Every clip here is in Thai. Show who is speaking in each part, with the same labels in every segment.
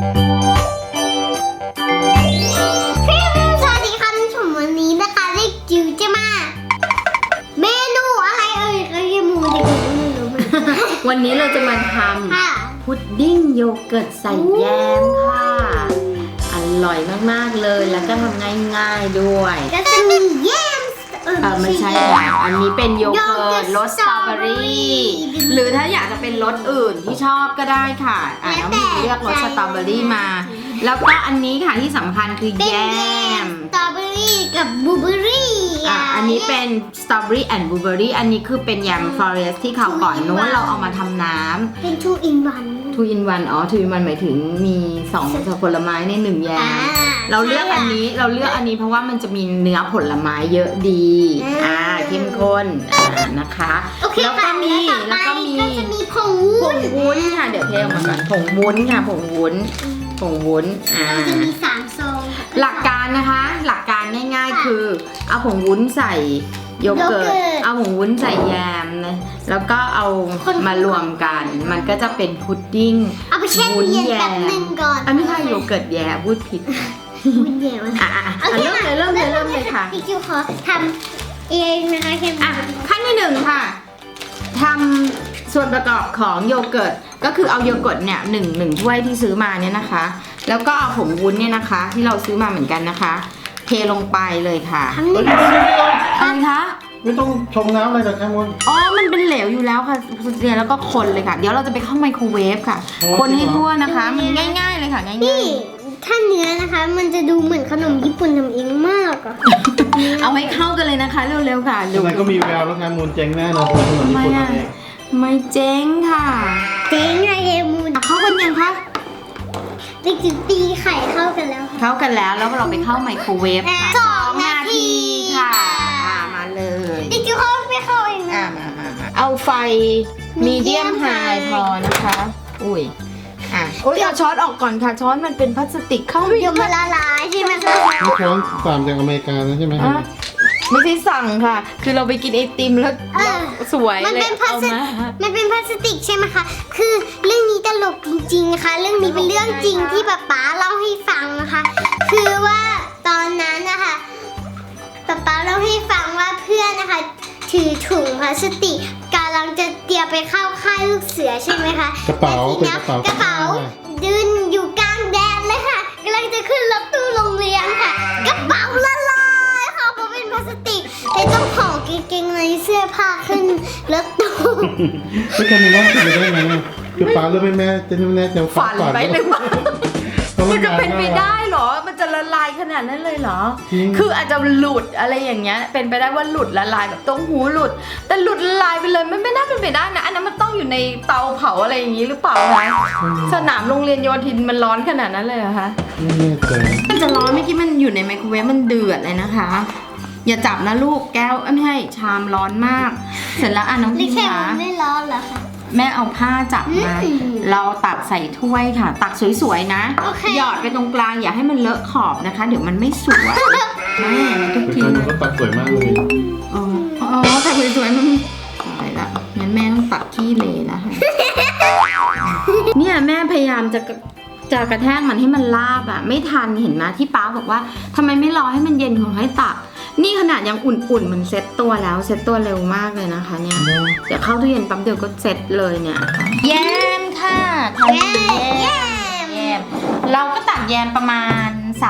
Speaker 1: สวัสดีค่ะท่านผู้ชมวันนี้นะคะเด็กจิ๋วจะมาเมนูอะไรเอ่ยก็ยังมูเด็กจิ๋วไม่รู้เหมือนกัน
Speaker 2: วันนี้เราจะมาท
Speaker 1: ค่ะ
Speaker 2: ำพุดดิ้งโยเกิร์ตใส่แยมค่ะ อร่อยมากๆเลยแล้วก็ทำง่ายๆด้วย
Speaker 1: ก็จะมีแยม
Speaker 2: ไม่ใช่ค่ะอันนี้เป็นโยเกิร์ตรสสตรอเบอรี่หรือถ้าอยากจะเป็นรสอื่นที่ชอบก็ได้ค่ะน้องมีเลือกรสสตรอเบอรี่มา แล้วก็อันนี้ค่ะที่สำคัญคือ
Speaker 1: เป็น
Speaker 2: แย
Speaker 1: แยม
Speaker 2: ม
Speaker 1: สตรอเบอรี่กับบลูเบอรี่
Speaker 2: อันนี้เป็นสตรอเบอรี่แอนด์บลูเบอรี่อันนี้คือเป็นยำฟลอเรสที่เขาวก่อนนู้นเราเอามาทำน้ำ
Speaker 1: เป็น2 in 1
Speaker 2: 2 in 1 2 in 1หมายถึงมี2ผลไม้ใน1แยมเราเลือกอันนี้เพราะว่ามันจะมีเนื้อผลไม้เยอะดีเข้มข้นนะคะ
Speaker 1: โอเค
Speaker 2: แล้วก็มี
Speaker 1: ก็จะมีผง
Speaker 2: ผงวุ้นค่ะเดี๋ยวเทออกมาก่อนผงวุ้นค่ะผงวุ้น
Speaker 1: มันจะมี3 ซอง
Speaker 2: หลักการนะคะหลักการง่ายๆคือเอาผงวุ้นใส่โยเกิร์ตเอาผงวุ้นใส่แยมนะแล้วก็เอามารวมกันมันก็จะเป็นพุดดิ้ง
Speaker 1: เอาไปแช่ตู้เย็นแป๊บนึงก่อน
Speaker 2: ไม่ใช่โยเกิร์ตแยมพูดผิด
Speaker 1: วุ้นแยม
Speaker 2: เริ่มเลยค่ะ
Speaker 1: พี่จิ๋วขอทำเองนะคะแค่
Speaker 2: ขั้นที่1ค่ะทำส่วนประกอบของโยเกิร์ตก็คือเอาโยเกิร์ตเนี่ยหนึ่งถ้วยที่ซื้อมาเนี่ยนะคะแล้วก็เอาผงวุ้นเนี่ยนะคะที่เราซื้อมาเหมือนกันนะคะเทลงไปเลยค่ะอะไรคะ
Speaker 3: ไม่ต้องชงน้ำอะไรกับแคมอน
Speaker 2: มันเป็นเหลวอยู่แล้วค่ะแล้วก็คนเลยค่ะเดี๋ยวเราจะไปเข้าไมโครเวฟค่ะคนให้ทั่วนะคะมันง่ายๆเลยค่ะง่ายๆ
Speaker 1: ถ้าเนื้อนะคะมันจะดูเหมือนขนมญี่ปุ่นทำเองมากอะ
Speaker 2: เอาให้เข้ากันเลยนะคะเร็วๆค่ะ
Speaker 3: ยังไงก็มีแววแล้วแคมอนเจ๊งแน่นอนคนขนมญี่ปุ่นนั่นเอง
Speaker 2: ไม่เจ๊งค่ะ
Speaker 1: เจ๊งไงเฮมูน
Speaker 2: เข้ากันยังคะ
Speaker 1: เด็กจิ๋วตีไข่เข้ากันแล้วค่ะ
Speaker 2: เข้ากันแล้วเราไปเข้าไมโครเวฟค่ะ
Speaker 1: 2 นาที
Speaker 2: ค่ะมาเลย
Speaker 1: เด็กจิ๋วเขาไม่เข้าเองนะ
Speaker 2: มาเอาไฟมีเดียมไฮพอนะคะอุ้ยเอาช้อนออกก่อนค่ะช้อนมันเป็นพลาสติกเข้าไม่
Speaker 1: เดี๋ยวมันละลายใช่ไหมคะ
Speaker 3: นี่ช้อนฝามจากอเมริกานะใช่ไหม
Speaker 2: ไม่ใช่สั่งค่ะ คือเราไปกินไอติมแล้วสวย
Speaker 1: มัน
Speaker 2: เลย
Speaker 1: เป็นพลา
Speaker 2: เอา
Speaker 1: สติ
Speaker 2: มาก
Speaker 1: มันเป็นพลาสติกใช่ไหมคะคือเรื่องนี้ตลกจริงๆนะคะเรื่องนี้เป็นเรื่องจริงที่ป๊าเล่าให้ฟังนะคะ คือว่าตอนนั้นนะคะป๊าเล่าให้ฟังว่าเพื่อนนะคะถือถุงพลาสติกกำลังจะเตรียมไปเข้าค่ายลูกเสือใช่ไหมคะ
Speaker 3: กระเป๋า
Speaker 1: แล้วทีนี้กระเป๋ายืนอยู่กลางแดนเลยค่ะกำลังจะขึ้นรถตู้โรงเรียนค่ะกระเป๋าละลายค่ะเพราะเป็นพลาสติกเลยต้องห่อกางเกงในเสื้อผ้าขึ้นรถตู้
Speaker 3: ไม่แคมอนว่าคิดไปได้ไงคือป้าหรือแม่จะแน่จะ
Speaker 2: ฝันไปหรือเปล่า มันจะเป็นไป
Speaker 3: ได้
Speaker 2: ได้เหรอ มันจะละลายขนาดนั้นเลยเหรอ คืออาจจะหลุดอะไรอย่างเงี้ย เป็นไปได้ว่าหลุดละลายแบบต้งหูหลุด แต่หลุดละลายไปเลยมันไม่น่าเป็นไปได้นะ อันนั้นมันต้องอยู่ในเตาเผาอะไรอย่างงี้หรือเปล่าคะสนามโรงเรียนโยธินมันร้อนขนาดนั้นเลยเหรอคะ
Speaker 3: ไม่แน่ใจ
Speaker 2: มันจะร้อนเมื่อกี้มันอยู่ในไมโครเวฟมันเดือดเลยนะคะ อย่าจับนะลูกแก้วไม่ใช่ชามร้อนมาก เสร็จแล้วน้อง
Speaker 1: ลิ
Speaker 2: พิม
Speaker 1: แค่
Speaker 2: คะ
Speaker 1: มันไม่ร้อนเหรอคะ
Speaker 2: แม่เอาผ้าจับมา เราตักใส่ถ้วยค่ะ ตักสวยๆนะ
Speaker 1: โอเค
Speaker 2: หยอดไปตรงกลางอย่าให้มันเลอะขอบนะคะ เดี๋ยวมันไม่สวยแม่ทุก
Speaker 3: แต่
Speaker 2: ที
Speaker 3: แคม
Speaker 2: เล
Speaker 3: อน
Speaker 2: ย
Speaker 3: ก็ตัดสวยมากเลย
Speaker 2: แต่สวยๆมันตายละงั้นแม่ต้องตักขี้เลแล้วค่ะ เนี่ยแม่พยายามจะกระแทกมันให้มันลาบอ่ะ ไม่ทันเห็นไหมที่ป้าบอกว่าทำไมไม่รอให้มันเย็นถึงให้ตัก นี่ขนาดยังอุ่นๆมันเซ็ตตัวแล้วเซ็ตตัวเร็วมากเลยนะคะเนี่ย เดี๋ยวเข้าตู้เย็นปั๊บเดียวก็เซ็ตเลยเนี่ยแยมค่ะทำแยมเราก็ตักแยมประมาณ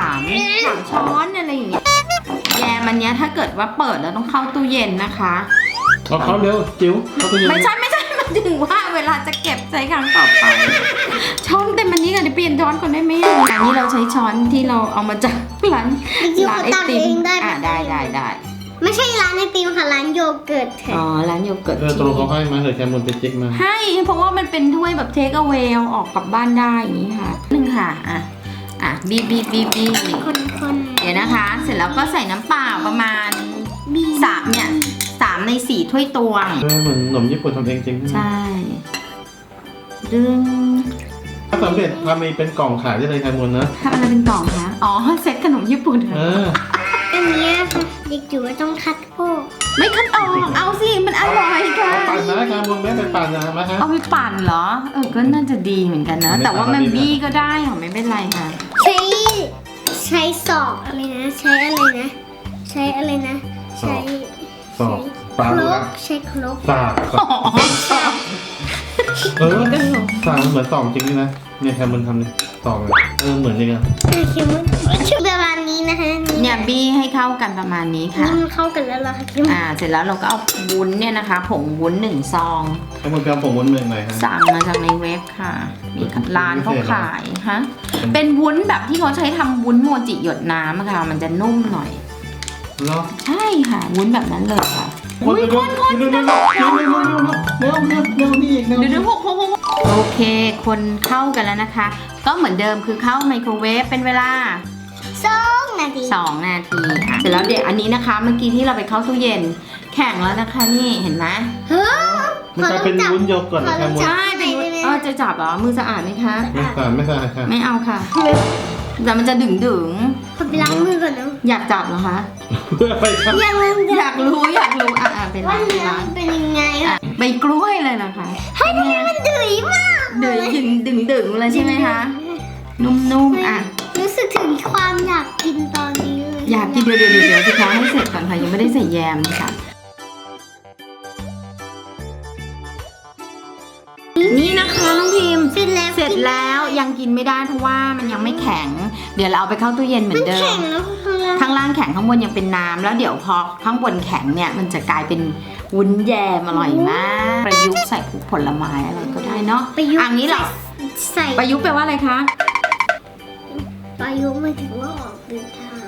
Speaker 2: 3 ช้อนอะไรอย่างเงี้ยแยมอันเนี้ยถ้าเกิดว่าเปิดแล้วต้องเข้าตู้เย็นนะคะ
Speaker 3: เอาเขาเร็วจิ๋วเขาตัวเย็น
Speaker 2: ไม่ใช่มันถึงว่าเวลาจะเก็บใช้ครั้งต่อไปช้อนเต็มอันนี้กันเดี๋ยวเปลี่ยนช้อนก่อนได้ไหมอันนี้เราใช้ช้อนที่เราเอามาจากร้านไอติมได้
Speaker 1: ไม่ใช่ร้านไอติมค่ะร้านโยเกิร์ตค่ะ
Speaker 2: ร้านโยเกิร์ต
Speaker 3: ตรงเขาให้มาเลยแคมอนไปเจ๊กมา
Speaker 2: ให้เพราะว่ามันเป็นถ้วยแบบเทคเอาเวลออกกลับบ้านได้อย่างนี้ค่ะหนึ่งค่ะบีบ
Speaker 1: คน
Speaker 2: เดี๋ยวนะคะ เสร็จแล้วก็ใส่น้ำเปล่าประมาณ3 ใน 4 ถ้วยตวง
Speaker 3: เหมือนขนมญี่ปุ่นทำเองจริง
Speaker 2: ใช่ดึง
Speaker 3: ถ้าสำเร็จทำมีเป็นกล่องขายได้เลยแคมอนนะ
Speaker 2: ทำอะไรเป็นกล่องคะเซ็ตขนมญี่ปุ่นค่ะ
Speaker 1: อันนี้ค่ะเด็กจิ๋วต้องคัดโพก
Speaker 2: ไม่คัดออกเอาสิมันอร่อยค่ะ
Speaker 3: ปั่นนะการบนแม่ไปปั่นนะมาฮะ
Speaker 2: เอาไปปั่นเหรอก็น่าจะดีเหมือนกันนะ แต่ว่ามันบี้ก็ได้ค่ะไม่เป็นไรค่ะ
Speaker 1: ใช้ศอกอะไรนะ ใช้อะไรนะ ใช้อะไรนะ ใช้
Speaker 3: สอบปลา
Speaker 1: คร
Speaker 3: ดู
Speaker 1: ก
Speaker 3: นะ
Speaker 1: ใช้ครก
Speaker 3: สากสากสากเหมือนสองจริงนะเนี่ยแคมมันทำเนี่ยสองเลยเหมือนจริงอ่ะ
Speaker 1: คิมชุดประมาณนี้นะคะ
Speaker 2: เนี่ยบี้ให้เข้ากันประมาณนี้ค่ะ
Speaker 1: นี่มันเข้ากันแล้วเหรอคะคิม
Speaker 2: เสร็จแล้วเราก็เอาวุ้นเนี่ยนะคะผงวุ้น1 ซอง
Speaker 3: ให้มันเป็นผงวุ้นเมืองไหนฮะ
Speaker 2: สั่งมาจากในเว็บค่ะ มีร้านเขาขายฮะเป็นวุ้นแบบที่เขาใช้ทำวุ้นโมจิหยดน้ำอะค่ะมันจะนุ่มหน่อย
Speaker 3: เหรอ
Speaker 2: ใช่ค่ะวุ้นแบบนั้นเลยค่ะ
Speaker 3: คนเร็วเร็วนี่อีก
Speaker 2: เดี๋ยวโอเค คนเข้ากันแล้วนะคะ ก็เหมือนเดิมคือเข้าไมโครเวฟเป็นเวลา
Speaker 1: 2 นาที
Speaker 2: 2 นาทีค่ะเสร็จแล้วเดี๋ยวอันนี้นะคะ เมื่อกี้ที่เราไปเข้าตู้เย็นแข็งแล้วนะคะนี่เห็นไหม
Speaker 1: เฮ้ย
Speaker 3: มันจะเป็นวุ้นโยเกิร์ตแคม
Speaker 2: ใช่เป็นวุ้นจะจับเหรอมือสะอาดไหมคะ
Speaker 3: ไม่สะอาดค่ะ
Speaker 2: ไม่เอาค่ะแต่มันจะดึง
Speaker 1: ขอไปล้างมือก่อนนะ
Speaker 2: อยากจับเหรอคะ
Speaker 3: เพื่อไปครับ
Speaker 1: ยัง
Speaker 2: อยากรู้เป็น
Speaker 1: ว่า
Speaker 2: ไร
Speaker 1: เนื้อมันเป็นยังไงอะ
Speaker 2: ใบกล้วยเลยนะคะ
Speaker 1: ให้ทำไมมันดื้อมาก
Speaker 2: เดือดึงเลยใช่ไหมคะนุ่ม
Speaker 1: รู้สึกถึงความอยากกินตอนนี้เลย
Speaker 2: อยากกินเดี๋ยวสิคะให้เสร็จก่อนค่ะยังไม่ได้ใส่แยมค่ะนี่นะคะน้องพิมพ์
Speaker 1: เสร็จแล้ว
Speaker 2: ยังกินไม่ได้เพราะว่ามันยังไม่แข็ง เดี๋ยวเราเอาไปเข้าตู้เย็นเหมือนเดิ
Speaker 1: แข็
Speaker 2: ม
Speaker 1: งแล้ว
Speaker 2: ข้างล่างแข็งข้างบนยังเป็นน้ำแล้วเดี๋ยวพอข้างบนแข็งเนี่ยมันจะกลายเป็นวุ้นแยมอร่อยมากประยุกต์ใส่ผลไม้อะไรก็ได้เนาะ
Speaker 1: ประยุกต์
Speaker 2: อันนี้เหรอ
Speaker 1: ใส่
Speaker 2: ประยุกต์แปลว่าอะไรคะ
Speaker 1: ประยุกต์หมายถึงว่าออกเดินทาง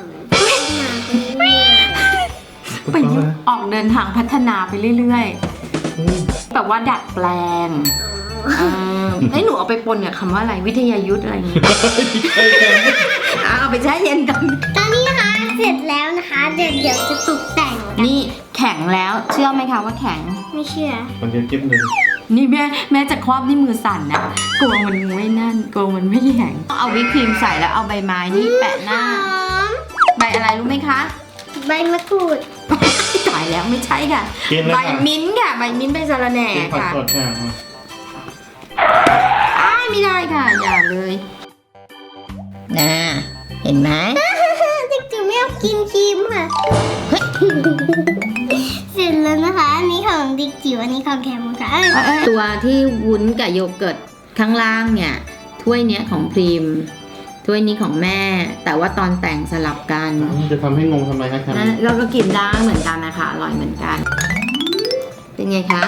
Speaker 1: มาไปเรื่อย
Speaker 2: ประยุกต์ออกเดินทางพัฒนาไปเรื่อยๆแบบว่าดัดแปลงหนูเอาไปปนกับคำว่าอะไรวิทยายุทธอะไรอย่างเงี้ยเอาไปแช่เย็นกัน
Speaker 1: ตอนนี้นะคะเสร็จแล้วนะคะเดี๋ยวจะตกแต่งกัน
Speaker 2: นี่แข็งแล้วเชื่อไหมคะว่าแข็ง
Speaker 1: ไม่เชื่อ
Speaker 3: มันจะจิ๊บเลย
Speaker 2: นี่แม่จะครอบนี่มือสั่นนะกลัวมันไม่นั่นกลัวมันไม่แข็งเอาวิปครีมใส่แล้วเอาใบไม้นี่แปะหน้า
Speaker 1: หอม
Speaker 2: ใบอะไรรู้ไหมคะ
Speaker 1: ใบมะกรูด
Speaker 2: จ่ายแล้วไม่ใช่ค่ะ
Speaker 3: กินเลย
Speaker 2: ใบ
Speaker 3: ค่ะ
Speaker 2: มิ้นท์ค่ะใบมิ้นท์ใบสะระแหน่
Speaker 3: กินผัก
Speaker 2: ค่ะ
Speaker 3: สดค่ะ
Speaker 2: ไม่ได้ค่ะอย่าเลยนะเห็นไหม
Speaker 1: จริงๆไม่เอากินครีมค่ะ เสร็จแล้วนะคะอันนี้ของดิกจิ๋วอันนี้ของแคมค่ะ
Speaker 2: ตัวที่วุ้นกับโยเกิร์ตข้างล่างเนี่ยถ้วยเนี้ยของพรีมถ้วยนี้ของแม่ แต่ว่าตอนแต่งสลับกัน
Speaker 3: จะทำให้งงทำไมคะแคม
Speaker 2: นะเราก็กินได้เหมือนกันนะคะอร่อยเหมือนกัน เป็นไงคะ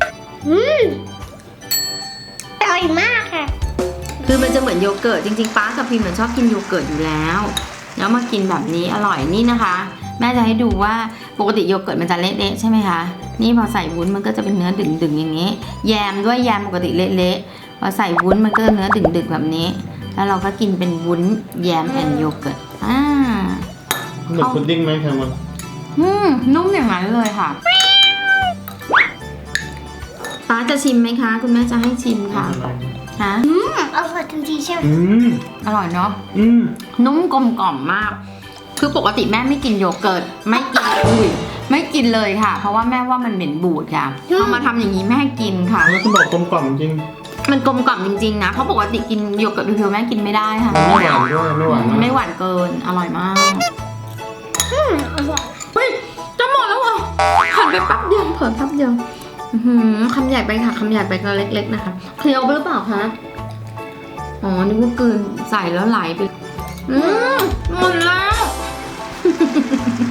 Speaker 1: อร่อยมากค่ะ
Speaker 2: คือมันจะเหมือนโยเกิร์ตจริงๆป้ากับพิมเหมือนชอบกินโยเกิร์ตอยู่แล้วแล้วมากินแบบนี้อร่อยนี่นะคะ แม่จะให้ดูว่าปกติโยเกิร์ตมันจะเละๆใช่ไหมคะนี่พอใส่วุ้นมันก็จะเป็นเนื้อดึงๆอย่างนี้ แยมด้วยแยมปกติเละๆพอใส่วุ้นมันก็เนื้อดึงๆแบบนี้ แล้วเราก็กินเป็นวุ้นแยมแอนโยเกิร์ต
Speaker 3: เหมือนพุดดิ้งไหมแคมมัน
Speaker 2: นุ่มอย่างนั้นเลยค่ะป้าจะชิมไหมคะคุณแม่จะให้ชิมค่ะฮะ
Speaker 1: อร่อยทันทีใช่ไหม
Speaker 2: อร่อยเนาะนุ่มกลมกล่อมมาก คือปกติแม่ไม่กินโยเกิร์ตไม่กินเลยค่ะ เพราะว่าแม่ว่ามันเหม็นบูดค่ะพอมาทำอย่างนี้แม่กินค่ะ
Speaker 3: แล้วคุณบอกกลมกล่อมจริง
Speaker 2: มันกลมกล่อมจริงๆนะเพราะปกติกินโยเกิร์ตเพียวๆแม่กินไม่ได้ค่ะ
Speaker 3: ไม่หวานด้วยไม่หวาน
Speaker 2: ไม่หวานเกินอร่อยมาก
Speaker 1: อร่อย
Speaker 2: เฮ้ยจะหมดแล้วเหรอหันไปแป๊บเดียวเผลอแป๊บเดียวคำใหญ่ไปค่ะคำใหญ่ไปก็เล็กๆนะคะเคี้ยวไปหรือเปล่าคะอ๋อนึกว่ากลืนใส่แล้วไหลไปหมดแล้ว